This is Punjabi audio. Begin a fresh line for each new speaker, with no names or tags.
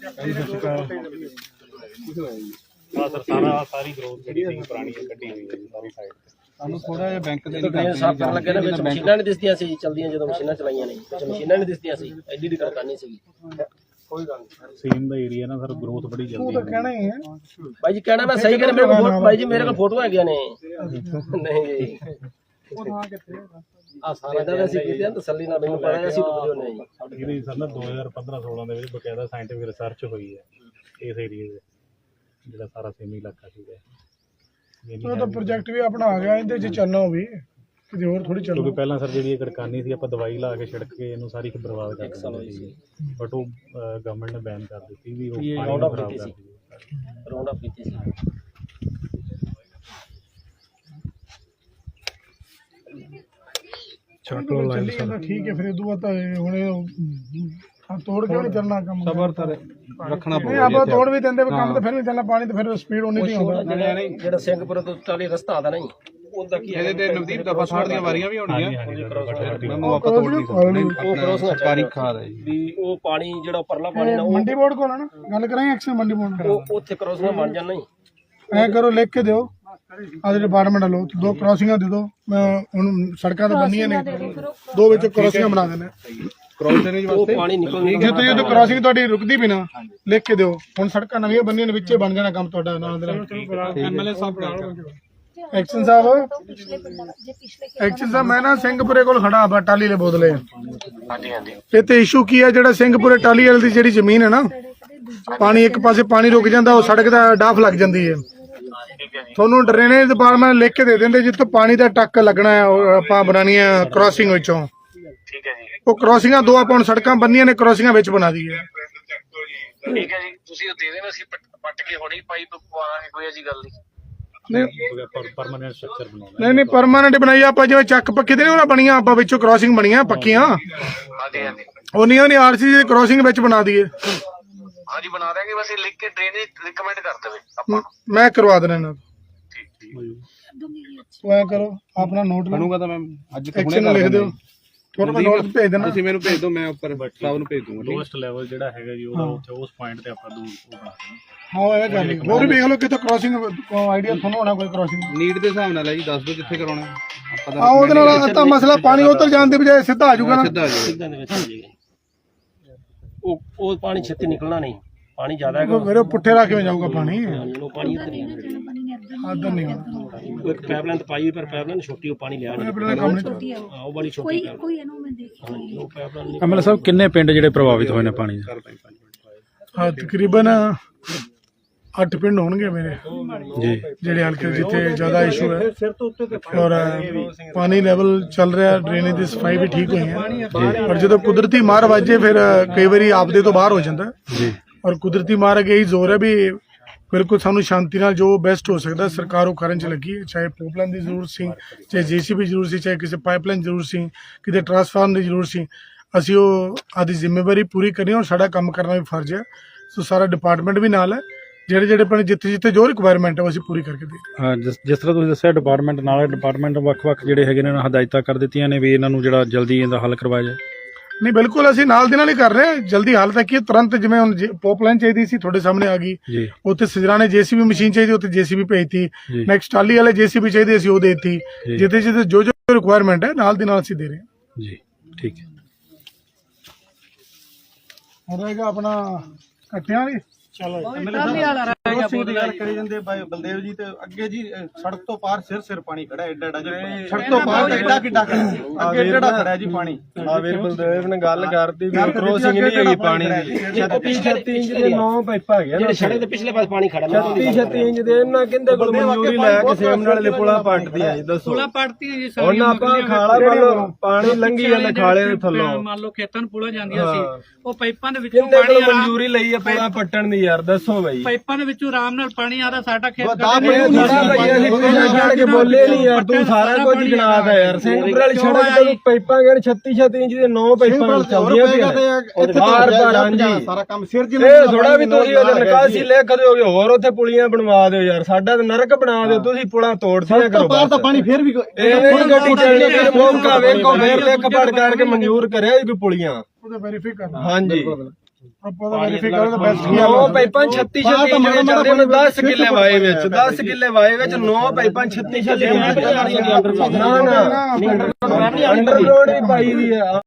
ਸਾਰੀ ਗਰੋਥ ਜਿਹੜੀ ਪੁਰਾਣੀ ਕੱਢੀ ਹੋਈ ਹੈ ਸਾਰੀ ਸਾਈਡ ਤੇ।
ਸਾਨੂੰ ਥੋੜਾ ਜਿਹਾ ਬੈਂਕ ਦੇ
ਸਾਫ ਕਰਨ ਲੱਗੇ ਨਾ ਵਿੱਚ ਮਸ਼ੀਨਾਂ ਨਹੀਂ ਦਿਸਦੀਆਂ ਸੀ ਚਲਦੀਆਂ, ਜਦੋਂ ਮਸ਼ੀਨਾਂ ਚਲਾਈਆਂ ਨੇ ਮਸ਼ੀਨਾਂ ਨਹੀਂ ਦਿਸਦੀਆਂ ਸੀ, ਐਡੀ ਦੀ ਕਰਕਾਨੀ ਸੀਗੀ। ਕੋਈ ਗੱਲ ਨਹੀਂ,
ਸੀਮ ਦਾ ਏਰੀਆ ਨਾ ਸਰ ਗਰੋਥ ਬੜੀ ਜਲਦੀ
ਕਹਿਣਾ ਹੀ ਹੈ
ਭਾਈ ਜੀ, ਕਹਿਣਾ ਮੈਂ ਸਹੀ ਕਰ, ਮੇਰੇ ਕੋਲ ਭਾਈ ਜੀ ਮੇਰੇ ਕੋਲ ਫੋਟੋ ਹੈਗੀਆਂ ਨੇ। ਨਹੀਂ ਜੀ ਆ ਸਾਰਾ ਦਾ ਅਸੀਂ ਕੀਤੇ ਤਸੱਲੀ ਨਾਲ, ਮੈਨੂੰ ਪਤਾ ਅਸੀਂ ਡੁੱਬਦੇ ਹੁੰਦੇ ਹਾਂ ਜੀ।
ਇਹਦੀ ਸਰ ਨਾ 2015-16 ਦੇ ਵਿੱਚ ਬਕਾਇਦਾ ਸਾਇੰਟਿਫਿਕ ਰਿਸਰਚ ਹੋਈ ਹੈ ਇਸ ਏਰੀਏ ਦੇ, ਜਿਹੜਾ ਸਾਰਾ ਸੇਮੀ ਇਲਾਕਾ ਸੀਗਾ।
ਉਹ ਤਾਂ ਪ੍ਰੋਜੈਕਟ ਵੀ ਆਪਣਾ ਆ ਗਿਆ, ਇਹਦੇ 'ਚ ਚੱਲਣਾ ਵੀ ਕਿਤੇ ਹੋਰ ਥੋੜੀ ਚੱਲੋ।
ਕਿਉਂਕਿ ਪਹਿਲਾਂ ਸਰ ਜਿਹੜੀ ਇਹ ਕੜਕਾਨੀ ਸੀ ਆਪਾਂ ਦਵਾਈ ਲਾ ਕੇ ਛਿੜਕ ਕੇ ਇਹਨੂੰ ਸਾਰੀ ਬਰਬਾਦ ਕਰ ਦਿੰਦੇ ਸੀ, ਬਟ ਉਹ ਗਵਰਨਮੈਂਟ ਨੇ ਬੈਨ ਕਰ ਦਿੱਤੀ ਵੀ ਉਹ
ਰਾਉਂਡ ਅਪ ਕੀਤੀ ਸੀ, ਰਾਉਂਡ ਅਪ ਕੀਤੀ ਸੀ।
ਚਲੋ ਲਾਈਨ ਠੀਕ ਹੈ, ਫਿਰ ਇਹ ਤੋਂ ਬਾਅਦ ਹੁਣ ਤੋੜ ਕੇ ਨਹੀਂ ਚੱਲਣਾ ਕੰਮ, ਸਬਰ ਤਾਂ ਰੱਖਣਾ ਪਊਗਾ। ਆਪਾਂ ਤੋੜ ਵੀ ਦਿੰਦੇ ਕੰਮ ਤਾਂ ਫਿਰ ਵੀ ਚੱਲਣਾ, ਪਾਣੀ ਤਾਂ ਫਿਰ ਸਪੀਡ ਉਨੀ ਨਹੀਂ ਹੁੰਦਾ।
ਜਿਹੜਾ ਸਿੰਘਪੁਰ ਤੋਂ ਟਾਲੀ ਰਸਤਾ ਆਦਾ ਨਹੀਂ, ਉਹਦਾ ਕੀ
ਇਹਦੇ ਤੇ ਨਵਦੀਪ ਦਫਾ 60 ਦੀਆਂ ਵਾਰੀਆਂ ਵੀ ਹੋਣਗੀਆਂ। ਸਰਕਾਰੀ ਖਾਦ ਹੈ
ਵੀ ਉਹ ਪਾਣੀ ਜਿਹੜਾ ਪਰਲਾ ਪਾਣੀ ਨਾ
ਮੰਡੀ ਬੋਰਡ ਕੋਲ ਨਾ ਗੱਲ ਕਰਾਂਗੇ, ਐਕਸ਼ਨ ਮੰਡੀ ਬੋਰਡ
ਉਹ ਉੱਥੇ ਕ੍ਰੋਸਿੰਗ ਬਣ ਜਾਣਾ ਹੀ।
ਐ ਕਰੋ, ਲਿਖ ਕੇ ਦਿਓ ਆਦੇ ਡਿਪਾਰਟਮੈਂਟ ਵੱਲੋਂ 2 ਕ੍ਰੋਸਿੰਗਾਂ ਦੇ ਦਿਓ। ਮੈਂ ਹੁਣ ਸੜਕਾਂ ਤਾਂ ਬੰਨੀਆਂ ਨੇ, 2 ਵਿੱਚ ਕ੍ਰੋਸਿੰਗਾਂ ਬਣਾ ਦੇਣੇ ਕ੍ਰੋਸਿੰਗ ਵਾਸਤੇ।
ਪਾਣੀ ਨਿਕਲ
ਜੇ ਤੁਸੀਂ ਉਹ ਕ੍ਰੋਸਿੰਗ ਤੁਹਾਡੀ ਰੁਕਦੀ ਵੀ ਨਾ, ਲਿਖ ਕੇ ਦਿਓ। ਹੁਣ ਸੜਕਾਂ ਨਵੀਆਂ ਬੰਨੀਆਂ ਨੇ, ਵਿੱਚੇ ਬਣ ਜਾਣਾ ਕੰਮ ਤੁਹਾਡਾ ਨਾਲ ਦੇ ਨਾਲ। ਐਮਐਲਏ ਸਾਹਿਬ ਐਕਸ਼ਨ ਸਾਹਿਬ, ਐਕਸ਼ਨ ਸਾਹਿਬ ਮੈਂ ਨਾ ਸਿੰਘਪੁਰੇ ਕੋਲ ਖੜਾ ਵਾ, ਟਾਲੀ ਵਾਲੇ ਬੋਦਲੇ।
ਹਾਂਜੀ ਹਾਂਜੀ,
ਇੱਥੇ ਇਸ਼ੂ ਕੀ ਹੈ, ਜਿਹੜਾ ਸਿੰਘਪੁਰੇ ਟਾਲੀ ਵਾਲੇ ਦੀ ਜਿਹੜੀ ਜ਼ਮੀਨ ਹੈ ਨਾ, ਪਾਣੀ ਇੱਕ ਪਾਸੇ ਪਾਣੀ ਰੁਕ ਜਾਂਦਾ, ਉਹ ਸੜਕ ਦਾ ਡਾਫ ਲੱਗ ਜਾਂਦੀ ਹੈ। ਤੁਹਾਨੂੰ ਡਰੇਨੇਜ ਡਿਪਾਰਟਮੈਂਟ ਲਿਖ ਕੇ ਦੇ ਦਿੰਦੇ ਜਿੱਥੇ ਪਾਣੀ ਦਾ ਟੱਕ ਲੱਗਣਾ ਹੈ, ਆਪਾਂ ਬਣਾਉਣੀ ਹੈ ਕ੍ਰੋਸਿੰਗ ਵਿੱਚੋਂ।
ਠੀਕ ਹੈ ਜੀ,
ਉਹ ਕ੍ਰੋਸਿੰਗਾਂ 2 ਆਪਾਂ ਹੁਣ ਸੜਕਾਂ ਬੰਨੀਆਂ ਨੇ, ਕ੍ਰੋਸਿੰਗਾਂ ਵਿੱਚ ਬਣਾ ਦਈਏ।
ਠੀਕ ਹੈ ਜੀ, ਤੁਸੀਂ ਉਹ ਦੇ ਦੇਣਾ, ਅਸੀਂ ਪੱਟ ਕੇ ਹੁਣੇ ਪਾਈਪ ਪਵਾਵਾਂਗੇ, ਕੋਈ ਐਸੀ ਗੱਲ ਨਹੀਂ।
ਪਰਮਾਨੈਂਟ ਸਟਰਕਚਰ ਬਣਾਉਣਾ
ਨਹੀਂ ਪਰਮਾਨੈਂਟ ਬਣਾਈ ਆਪਾਂ, ਜਿਵੇਂ ਚੱਕ ਪੱਕੇ ਤੇ ਨਹੀਂ ਉਹਨਾਂ ਬਣੀਆਂ, ਆਪਾਂ ਵਿੱਚੋਂ ਕ੍ਰੋਸਿੰਗ ਬਣੀਆਂ ਪੱਕੀਆਂ,
ਹਾਂਜੀ ਹਾਂਜੀ,
ਉਹ ਨਹੀਂ ਆਰਸੀ ਦੀ ਕ੍ਰੋਸਿੰਗ ਵਿੱਚ ਬਣਾ ਦਈਏ।
ਹਾਂਜੀ ਬਣਾ ਦਾਂਗੇ, ਬਸ ਇਹ ਲਿਖ ਕੇ ਡਰੇਨੇਜ ਰਿਕਮੈਂਡ ਕਰ ਦੇਵੇ ਆਪਾਂ,
ਮੈਂ ਕਰਵਾ ਦੇਣਾ ਇਹਨਾਂ
ਠੀਕ।
ਤੋਂ। ਐ ਕਰੋ, ਆਪਣਾ ਨੋਟ
ਬਣੂਗਾ ਤਾਂ ਮੈਂ ਅੱਜ
ਐਕਸ਼ਨ ਲਿਖ ਦਿਓ, ਤੁਹਾਨੂੰ ਮੈਂ ਨੋਟ ਭੇਜ ਦੇਣਾ।
ਤੁਸੀਂ ਮੈਨੂੰ ਭੇਜ ਦਿਓ, ਮੈਂ ਉੱਪਰ ਸਾਹਿਬ ਨੂੰ ਭੇਜ ਦੂੰਗਾ।
ਲੋਐਸਟ ਲੈਵਲ ਜਿਹੜਾ ਹੈਗਾ ਜੀ ਉਹਦਾ ਉੱਥੇ ਉਸ ਪੁਆਇੰਟ ਤੇ ਆਪਾਂ ਦੂਰ ਉਹ ਬਣਾ ਦੇਣਾ।
ਹਾਂ ਇਹ ਗੱਲ ਹੋਰ ਵੀ ਵੇਖ ਲਓ ਕਿਤੇ ਕ੍ਰੋਸਿੰਗ ਆਈਡੀਆ ਤੁਹਾਨੂੰ ਹੋਣਾ ਕੋਈ ਕ੍ਰੋਸਿੰਗ
ਨੀਡ ਦੇ ਹਿਸਾਬ ਨਾਲ ਹੈ ਜੀ, ਦੱਸ ਦਿਓ ਜਿੱਥੇ ਕਰਾਉਣਾ ਆਪਾਂ
ਹਾਂ, ਉਹਦੇ ਨਾਲ ਤਾਂ ਮਸਲਾ ਪਾਣੀ ਉਤਰ ਜਾਣ ਦੀ ਬਜਾਏ ਸਿੱਧਾ ਆ ਜਾਊਗਾ ਨਾ।
ਸਿੱਧਾ ਆ ਜਾਊਗਾ।
ਸਿੱਧਾ ਦੇ ਵਿੱਚ ਆ ਜਾਏਗਾ, ਉਹ ਪਾਣੀ ਛੇਤੀ ਨਿਕਲਣਾ ਨਹੀਂ, ਪਾਣੀ ਜ਼ਿਆਦਾ ਹੈਗਾ
ਮੇਰੇ ਪੁੱਠੇ ਰੱਖ ਕੇ ਜਾਊਗਾ ਪਾਣੀ,
ਉਹ ਪਾਣੀ ਇੱਧਰ ਹੀ
ਆਦਰ ਨਹੀਂ
ਇੱਕ ਪਾਈਪਲਾਈਨ ਤਾਂ ਪਾਈ, ਪਰ ਪਾਈਪਲਾਈਨ ਛੋਟੀ, ਉਹ ਪਾਣੀ ਲਿਆ ਨਹੀਂ,
ਕੰਮ ਨਹੀਂ।
ਉਹ ਬੜੀ ਛੋਟੀ ਉਹ ਪਾਈਪਲਾਈਨ।
ਐਮਐਲਏ ਸਾਹਿਬ ਕਿੰਨੇ ਪਿੰਡ ਜਿਹੜੇ ਪ੍ਰਭਾਵਿਤ ਹੋਏ ਨੇ ਪਾਣੀ ਨਾਲ?
ਹਾਂ ਤਕਰੀਬਨ 8 ਪਿੰਡ ਹੋਣਗੇ ਮੇਰੇ
ਜੀ,
ਜਿਹੜੇ ਹਲਕੇ ਜਿੱਥੇ ਜ਼ਿਆਦਾ ਇਸ਼ੂ ਹੈ, ਔਰ ਪਾਣੀ ਲੈਵਲ ਚੱਲ ਰਿਹਾ, ਡਰੇਨੇਜ ਦੀ ਸਫਾਈ ਵੀ ਠੀਕ ਹੋਈ ਹੈ। ਔਰ ਜਦੋਂ ਕੁਦਰਤੀ ਮਾਰ ਵੱਜੇ ਫਿਰ ਕਈ ਵਾਰੀ ਆਪਦੇ ਤੋਂ ਬਾਹਰ ਹੋ ਜਾਂਦਾ
ਜੀ,
ਔਰ ਕੁਦਰਤੀ ਮਾਰ ਅੱਗੇ ਹੀ ਜ਼ੋਰ ਹੈ ਵੀ ਬਿਲਕੁਲ ਸਾਨੂੰ ਸ਼ਾਂਤੀ ਨਾਲ ਜੋ ਬੈਸਟ ਹੋ ਸਕਦਾ ਸਰਕਾਰ ਉਹ ਕਰਨ 'ਚ ਲੱਗੀ ਹੈ। ਚਾਹੇ ਪਾਈਪਲਾਈਨ ਦੀ ਜ਼ਰੂਰਤ ਸੀ, ਚਾਹੇ JCB ਜ਼ਰੂਰਤ ਸੀ, ਚਾਹੇ ਕਿਸੇ ਪਾਈਪਲਾਈਨ ਜ਼ਰੂਰਤ ਸੀ, ਕਿਤੇ ਟਰਾਂਸਫਾਰਮ ਦੀ ਜ਼ਰੂਰਤ ਸੀ, ਅਸੀਂ ਉਹ ਆਦੀ ਜ਼ਿੰਮੇਵਾਰੀ ਪੂਰੀ ਕਰਨੀ ਔਰ ਸਾਡਾ ਕੰਮ ਕਰਨਾ ਵੀ ਫਰਜ਼ ਹੈ। ਸੋ ਸਾਰਾ ਡਿਪਾਰਟਮੈਂਟ ਵੀ ਨਾਲ ਹੈ, ਜਿਹੜੇ ਪਿੰਡ ਜਿੱਥੇ ਜੋ ਰਿਕੁਆਇਰਮੈਂਟ ਹੈ ਉਹ ਅਸੀਂ ਪੂਰੀ ਕਰਕੇ ਦੇ।
ਹਾਂ, ਜਿਸ ਤਰ੍ਹਾਂ ਤੁਸੀਂ ਦੱਸਿਆ ਡਿਪਾਰਟਮੈਂਟ ਨਾਲ, ਡਿਪਾਰਟਮੈਂਟ ਵੱਖ-ਵੱਖ ਜਿਹੜੇ ਹੈਗੇ ਨੇ ਹਦਾਇਤਾਂ ਕਰ ਦਿੱਤੀਆਂ ਨੇ ਵੀ ਇਹਨਾਂ ਨੂੰ ਜਿਹੜਾ ਜਲਦੀ ਇਹਦਾ ਹੱਲ ਕਰਵਾਇਆ ਜਾਏ।
ਨਹੀਂ ਬਿਲਕੁਲ ਅਸੀਂ ਨਾਲ ਦੀ ਨਾਲ ਹੀ ਕਰ ਰਹੇ ਹਾਂ, ਜਲਦੀ ਹਾਲ ਤੱਕ ਕੀ ਤੁਰੰਤ, ਜਿਵੇਂ ਹੁਣ ਪਾਈਪਲਾਈਨ ਚਾਹੀਦੀ ਸੀ ਤੁਹਾਡੇ ਸਾਹਮਣੇ ਆ ਗਈ, ਉੱਥੇ ਸਜਰਾਣੇ JCB ਮਸ਼ੀਨ ਚਾਹੀਦੀ, ਉੱਥੇ JCB ਭੇਜਤੀ। ਨੈਕਸਟ ਟਾਲੀ ਵਾਲੇ JCB ਚਾਹੀਦੇ ਅਸੀਂ ਉਹ ਦੇਤੀ, ਜਿੱਥੇ ਜੋ ਰਿਕੁਆਇਰਮੈਂਟ ਹੈ ਨਾਲ ਦੀ ਨਾਲ ਅਸੀਂ ਦੇ ਰਹੇ ਹਾਂ
ਜੀ। ਠੀਕ ਹੈ,
ਹੁਣ ਰਹੇਗਾ ਆਪਣਾ ਕੱਟਿਆਂ ਵਾਲੀ। ਚਲੋ
ਦੀ ਗੱਲ ਕਰੀ ਜਾਂਦੇ ਬਾਈ ਬਲਦੇਵ ਜੀ, ਤੇ ਅੱਗੇ ਜੀ ਸੜਕ ਤੋਂ ਪਾਰ ਸਿਰ ਪਾਣੀ ਖੜਾ, ਐਡਾ ਸੜਕ ਤੋਂ ਪਾਰ ਐਡਾ ਕਿੱਡਾ ਅੱਗੇ ਐਡਾ ਖੜਾ ਜੀ ਪਾਣੀ।
ਆ ਵੀਰ ਬਲਦੇਵ ਨੇ ਗੱਲ ਕਰਤੀ ਵੀ ਕ੍ਰੋਸਿੰਗ ਨਹੀਂ ਹੈਗੀ ਪਾਣੀ ਦੀ, 36 ਇੰਚ ਦੇ 9 ਪਾਈਪਾਂ ਹੈਗੇ
ਜਿਹੜੇ ਸੜਕ ਦੇ ਪਿਛਲੇ ਪਾਸੇ ਪਾਣੀ ਖੜਾ,
36 ਇੰਚ ਦੇ ਇਹਨਾਂ ਕਹਿੰਦੇ ਕੋਲ ਮਨਜ਼ੂਰੀ ਲੈ ਕੇ ਸੇਮ ਨਾਲ ਦੇ ਪੁਲਾ ਪੱਟਦੀਆਂ ਜੀ। ਦੱਸੋ ਪੁਲਾ ਪੱਟਦੀਆਂ ਜੀ, ਹੁਣ ਆਪਾਂ ਖਾਲਾ ਮੰਨ ਲਓ ਪਾਣੀ ਲੰਘੀ ਜਾਂਦਾ ਖਾਲੇ ਦੇ ਥੱਲੋਂ, ਮੰਨ ਲਓ ਖੇਤਾਂ ਨੂੰ ਪੁਲਾ ਜਾਂਦੀਆਂ ਸੀ, ਉਹ ਪਾਈਪਾਂ ਦੇ ਵਿੱਚੋਂ ਪਾਣੀ ਮਨਜ਼ੂਰੀ ਲਈ ਆ ਪੁਲਾ ਪੱਟਣ ਦੀ। ਯਾਰ ਦੱਸੋ ਬਈ, ਪਾਈਪਾਂ ਦੇ ਵਿੱਚੋਂ ਆਰਾਮ ਨਾਲ ਪਾਣੀ ਆਦਾ, ਸਾਡਾ ਖੇਤ ਕੇ ਬੋਲੇ ਨਹੀਂ ਯਾਰ, ਤੂੰ ਸਾਰਾ ਕੁਝ ਗਿਣਾਦਾ ਯਾਰ। ਸਿੰਘਪੁਰ ਵਾਲੀ ਸੜਕ ਤੇ ਪਾਈਪਾਂ ਗਏ 36 ਇੰਚ ਦੇ 9 ਪਾਈਪਾਂ ਚੱਲਦੀਆਂ ਪਈਆਂ ਬਾਰ ਬਾਰ। ਹਾਂਜੀ
ਸਾਰਾ ਕੰਮ ਸਿਰ ਜੀ
ਇਹ ਥੋੜਾ ਵੀ ਤੁਸੀਂ ਉਹਦੇ ਨਿਕਾਸੀ ਲਿਖ ਦਿਓਗੇ, ਹੋਰ ਉੱਥੇ ਪੁਲੀਆਂ ਬਣਵਾ ਦਿਓ ਯਾਰ, ਸਾਡਾ ਤਾਂ ਨਰਕ ਬਣਾ ਦਿਓ ਤੁਸੀਂ, ਪੁਲਾਂ ਤੋੜਦੀਆਂ ਕਰੋ ਬਾਹਰ ਤਾਂ ਪਾਣੀ ਫੇਰ ਵੀ ਇਹ ਨਹੀਂ ਗੱਡੀ ਚੱਲਣੀ, ਫਿਰ ਮੌਕਾ ਵੇਖੋ ਫੇਰ ਲਿਖ ਪੜ ਕਰਕੇ ਮਨਜ਼ੂਰ ਕਰਿਆ ਕੋਈ ਪੁਲੀਆਂ
ਉਹਦਾ ਵੈਰੀਫਾਈ ਕਰਨਾ।
ਹਾਂਜੀ
ਆਪਾਂ ਦਾ ਵੈਰੀਫਾਈ ਕਰੋ ਤਾਂ ਬੈਸਟ ਕੀ
9 ਪਾਈਪਾਂ 36 ਚੱਲਦੇ ਨੇ 10 ਕਿੱਲੇ ਵਾਏ ਵਿੱਚ 10 ਕਿੱਲੇ ਵਾਏ ਵਿੱਚ 9 ਪਾਈਪਾਂ 36 ਚੱਲਦੀਆਂ ਨਾ ਅੰਡਰਗਰਾਉਂਡ ਵੀ ਪਾਈ ਦੀ ਆ